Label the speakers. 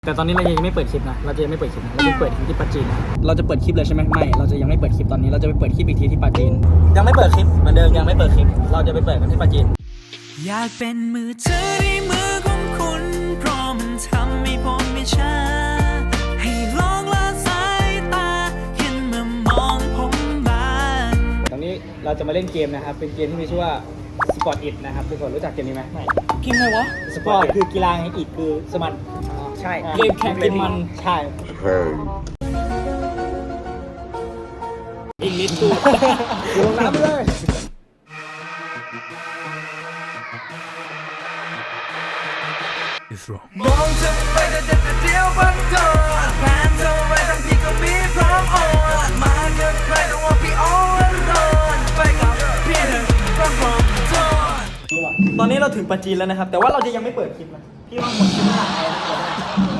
Speaker 1: แต่ตอนนี้เรายังไม่เปิดคลิปนะเราจะยังไม่เปิดคลิปนะเราจะเปิดที่ปาจีนเราจะเปิดคลิปเลยใช่ไหมไม่เราจะยังไม่เปิดคลิปตอนนี้เราจะไปเปิดคลิปอีกทีที่ปาจีนยังไม่เปิดคลิปเหมือนเดิมยังไม่เปิดคลิปเราจะไปเปิดกันที่ปาจีน
Speaker 2: อยากเป็นมือเธอในมือของคุณเพราะมันทำให้ผมไม่ช้าให้ลองละสายตาขึ้นมามองผมบ้าง
Speaker 1: ตอนนี้เราจะมาเล่นเกมนะครับเป็นเกมที่มีชื่อว่า Sport It นะครับทุกคนรู้จักเกมนี้ไหมไม่เกมอะไรวะ Sport คือกีฬาไง It คือสมันใช่เกมแข่งเป็นมันใช่อิงลิสตูลงน้ำเลย
Speaker 2: มองเธอไปแต่เดียวบังเธอแผนเธอไว้ทั้งที่ก็มีพร้อมโอนมาเกินใครแต่ว่าพี่โอนโดนไปกับพี่เธอก็พร้อมโดน
Speaker 1: ตอนนี้เราถึงปาจีนแล้วนะครับแต่ว่าเราจะยังไม่เปิดคลิปนะพี่ว่าหมดคลิปไม่หลังไง